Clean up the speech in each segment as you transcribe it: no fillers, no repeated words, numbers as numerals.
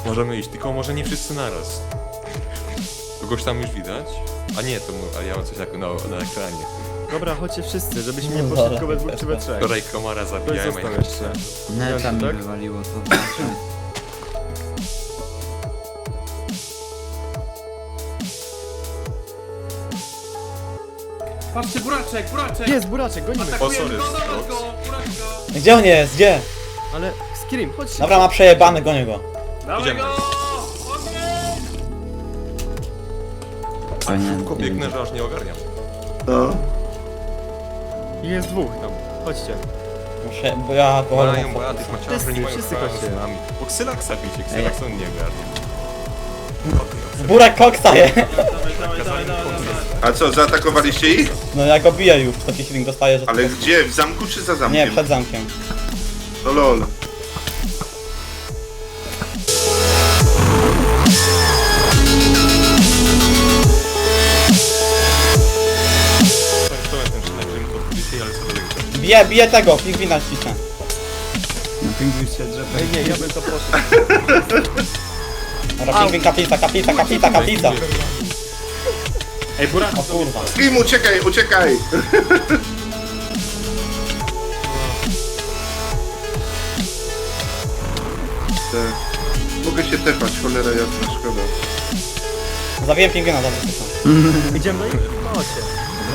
Możemy iść, tylko może nie wszyscy naraz. Kogoś tam już widać? A nie, a ja mam coś na ekranie. Dobra, chodźcie wszyscy, żebyśmy nie poszli tylko we dwóch czy we trzech. Wczoraj komara Ktoś zabijałem, został a jeszcze. Neta mi tak? wywaliło, to znaczy. Patrzcie, buraczek, buraczek! Jest, buraczek, gonimy. Atakujemy sorry, go, dawaj Scott. go, buraczek go! Gdzie on jest? Gdzie? Ale Scream, chodź. Dobra, ma przejebany, gonię go. Dawaj Idziemy. go! Ogień! O nie, szybko biegnę, że aż nie ogarniam. No. Jest dwóch tam, chodźcie. Muszę, bo ja alkohol Mają, bo ja tych maciarzy nie mają wszyscy sprawy chodźcie. z nami. Bo Xylaxa bicie, Xylax on nie ogarnia. Burek koksa je. Dawaj, dawaj, dawaj, dawaj. A co, zaatakowaliście ich? No ja go biję już, taki healing dostaję, że... Ale gdzie? W zamku czy za zamkiem? Nie, przed zamkiem. No lol. To jest ten szlak, pod dzisiaj, ale co do tego. Biję tego, pingwina ścisnę. Na pingwin się drzewa. Ej, nie, ja bym to poszedł. Dobra, pingwin, kaplica. Ej, buraczek! O kurwa. Scream, uciekaj, uciekaj! Mogę się tepać, cholera jasna, szkoda. Zabiję pingwina, dobrze, słyszę. Idziemy do nich? Chodźcie.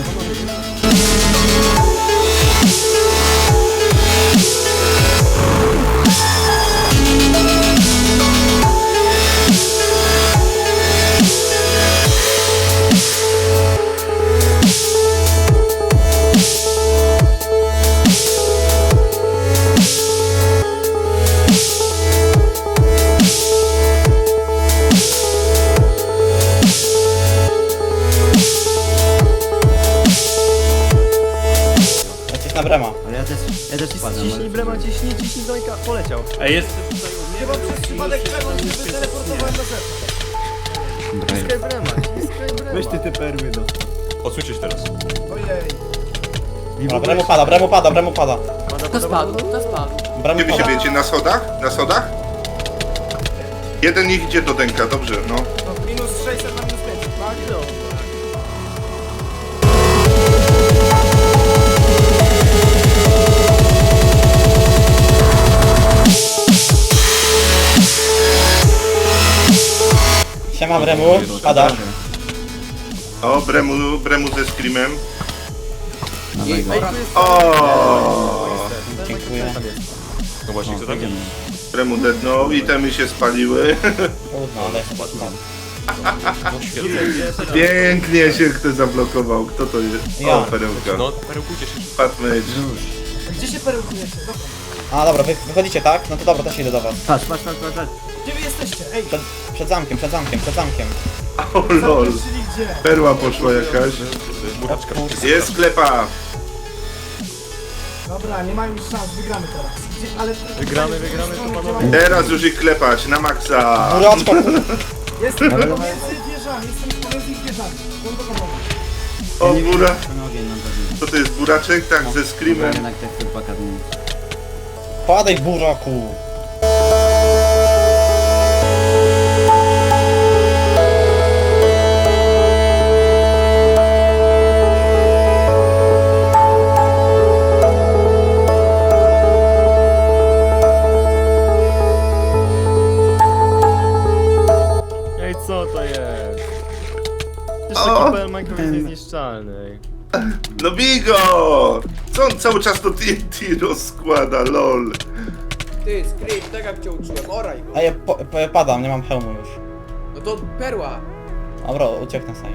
Lecisz na brema. Ale ja też spadam. Ciśnij brema, ciśnij dońka, poleciał. Ej, jest tutaj u mnie. Chyba przez przypadek Trevor się wyteleportowałem na zewnątrz. Ciskaj brema, ciskaj brema. Weź ty te perły do. Odsuńcie się teraz. Ojej. Dobra, bremu pada. To spadł, to spadł. Bremu Gdzie wy się pada. wiecie? Na schodach? Na schodach? Jeden niech idzie do Denka, dobrze, no. No, minus 600 na minus 500, tak? No. Siema bremu, pada. O, Bremu ze Screamem. Dawaj go. O, Dziękuję. No właśnie, kto tam? Bremu dednął, itemy się spaliły. Trudno, ale chyba tam. No świetnie. Pięknie się kto zablokował. Kto to jest? Ja. O, perełka. No, perełkujcie się. Patmage. Gdzie się perełkujecie? Dobra. A dobra, wy wychodzicie, tak? No to dobra, też idę do was. Patrz. Gdzie wy jesteście? Ej, Przed zamkiem. O lol. czyli gdzie? Perła poszła jakaś. Buraczka. Jest sklepa. Dobra, nie mają już szans, wygramy teraz. Gdzie, ale... Wygramy, to panowie. Teraz już ich klepać na maksa. Buraczko, Jestem pomiędzy wieżami, jestem pomiędzy ich wieżami. Głęboko O, bura. Ten ogień nam zabił. Co to jest buraczek? Tak, ze Screamem. Jednak te chłopaka dni. padaj buraku. Ej, co to jest? Jeszcze O! kipel Minecraft jest niezniszczalny. ej. No bigo! Co on cały czas to TNT rozkłada, lol. Ty, Scream, tak jak cię uczyłem, oraj go. A ja padam, nie mam hełmu już. No to perła. Dobra, ucieknę sobie.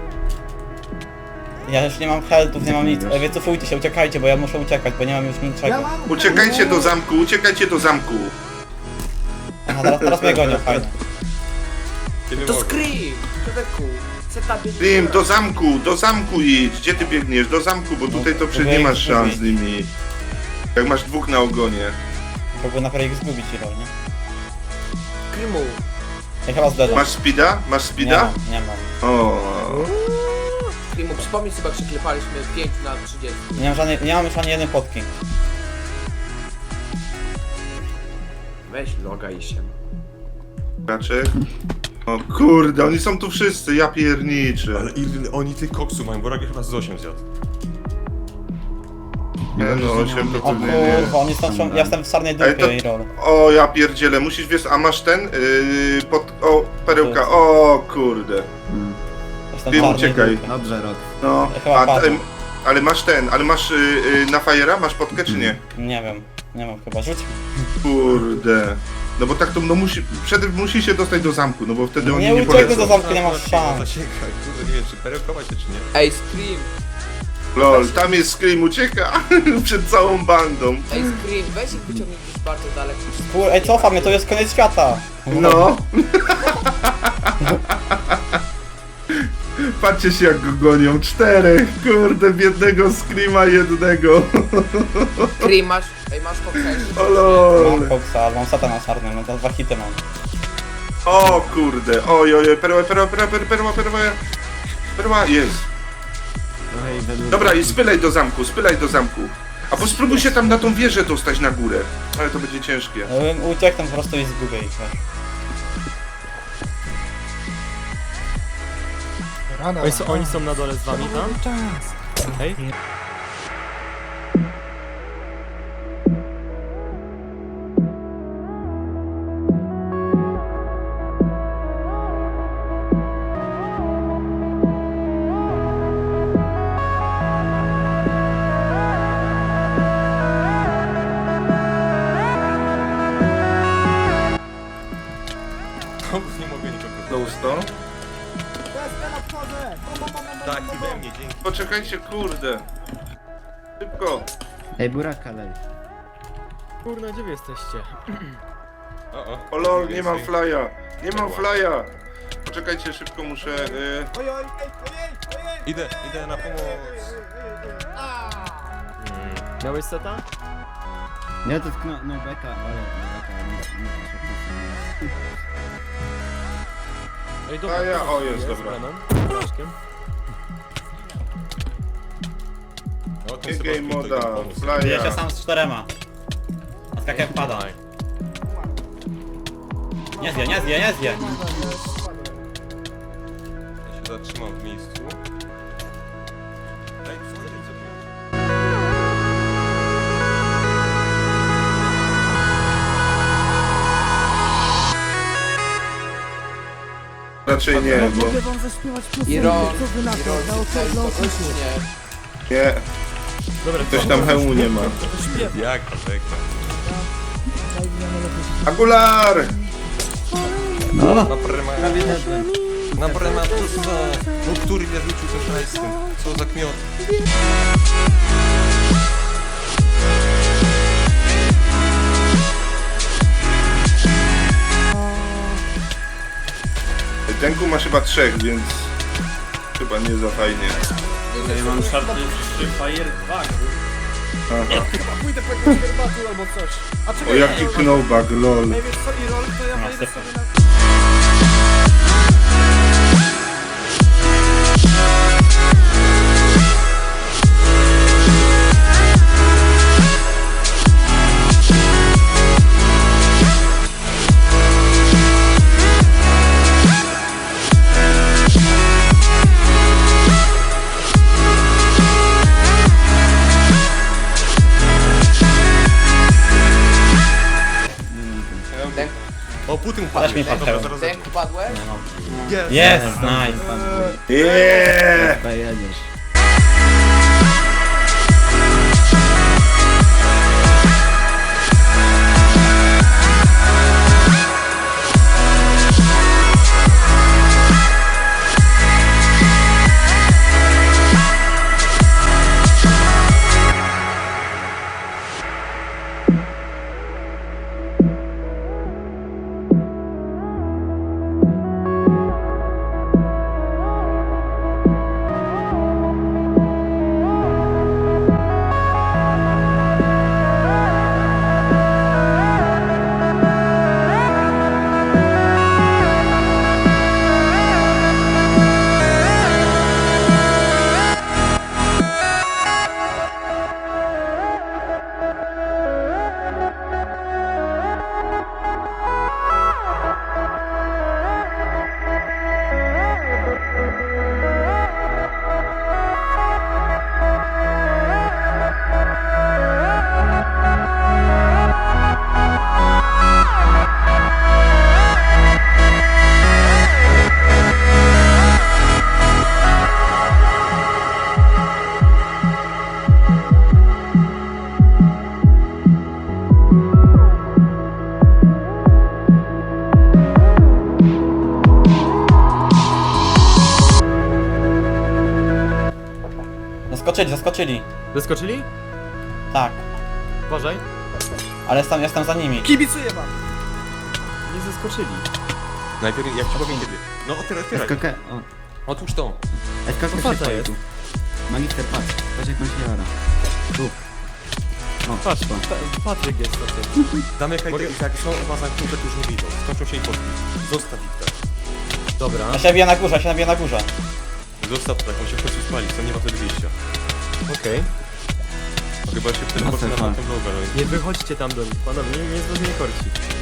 Ja już nie mam healthów, nie mam nic. Wycofujcie się, uciekajcie, bo ja muszę uciekać, bo nie mam już Ja niczego. mam... Uciekajcie do zamku, uciekajcie do zamku. Aha, teraz mnie gonią, fajnie. Kiedy To mogę? Scream! Człowieku, setupie... Scream, do zamku idź. Gdzie ty biegniesz? Do zamku, bo tutaj to przecież nie masz szans z nimi. Jak masz dwóch na ogonie. Próbuję najpierw ich zgubić, nie? Screamu. Ja chyba zdedam. Masz speeda? Masz Nie speeda? mam, nie mam. O. Screamu, przypomnij sobie, jak się klepaliśmy 5 na 30. Nie mam już ani jednej potki. Weź loga i się. Raczek. O kurde, oni są tu wszyscy, ja pierniczę. Ale ile oni tych koksu mają, bo Ragiel chyba z 8 zjadł. Nie no, 8 to O pewnie nie. kurwa, oni są, ja jestem w sarnej Ej, dupie i roll. O, ja pierdzielę, musisz wiesz, a masz ten? O, perełka, o kurde. Jestem Wiem, w czarnej uciekaj. dupie. Dobrze, Rok. No, Chyba a, padł. ale masz ten, ale masz na fajera, masz podkę czy nie? Nie wiem, nie mam chyba, rzuć. Kurde. No bo tak to, no musi się dostać do zamku, no bo wtedy oni Nie nie uciekły polecą. do zamku, nie masz szans. Zasięgaj, kurde, nie wiem, czy perełkować się, czy nie. Ej, Scream! Lol, tam jest Scream, ucieka przed całą bandą. Ej, Scream, weź ich wyciągnij gdzieś bardzo daleko. Kur, ej, cofam mnie, to jest koniec świata. No. Patrzcie się jak go gonią, 4, kurde, biednego Screama jednego. Scream, masz... Ej, masz koktajl. O lol. Mam koksa, ale mam satana sarny, no to 2 hity mam. O kurde, oj, perła, jest. Trochę i według... Dobra, i spylaj do zamku. A bo spróbuj się tam na tą wieżę dostać na górę. Ale to będzie ciężkie. Ja bym uciekł po prostu i zgubię ich, wiesz. Rana. Oni są na dole z wami tam? Hej? Nie mogę nikogo. Ghosto. Tak, i we mnie, dzięki. Poczekajcie, kurde. Szybko. Ej, Buraka lej. Kurna, gdzie wy jesteście? O lol, nie mam flya. Nie mam flya. Poczekajcie, szybko muszę... Ojej, ojej, ojej! Idę na pomoc. Miałeś seta? Ja to tknę, no beka, ale beka, nie Ej, dobra. A ja- to o, jest, dobra. Branem, Blaszkiem. O, ten Nie game Sebastian moda, tutaj pomógł. Biję się flya. sam z 4. A tak jak pada. Nie zje. Ja się zatrzymam w miejscu. Ej, słuchajcie, co tu? Raczej nie, bo... Mogę wam zaśpiewać piosenkę, Irol, co wy na to, Irol, na tutaj osiedlu kogoś opisu. nie. Nie, Dobra, ktoś tam hełmu nie ma. Jak to czeka? Angular! Na prema plusa. No który mnie rzucił tym hajsem? Co za kmiot? Denku masz chyba 3, więc... Chyba nie za fajnie. Ja mam szarpny Fire 2, Aha. Pójdę po jakąś herbatę albo coś. A O czekaj, jaki Irol, knowback, lol. Ej, wiesz co, Irol, to ja No, wejdę sypę. sobie na... O, Putin Dasz mi upadł. pan Dobra, hełm. zaraz. Denk, upadłeś? Jest, nice. Jeee! jedziesz. zaskoczyli. Zeskoczyli? Tak. Uważaj. Ale jestem za nimi. Kibicuję wam. Nie zeskoczyli. Najpierw, jak ci powiem kiedy. No, otwieraj. SKK, o. Otwórz to. SKK Co się to pali jest? tu. Magister, patrz. Patrz jak on się jara. Tu. O, Patrz, to. Patryk jest na tym. Damy jak Mogę- jak są chyba zamknięte, to już nie wyjdą. Skończą się i poszli. Zostaw ich tak. Dobra. Ja się nabiję na górze, Zostaw tak, on się w końcu spali, to nie ma wtedy wyjścia. Okej. Chyba się wtedy No, poszli na Stefan. tamtą drogę, ale Nie wychodźcie tam do nich, panowie, nie korci.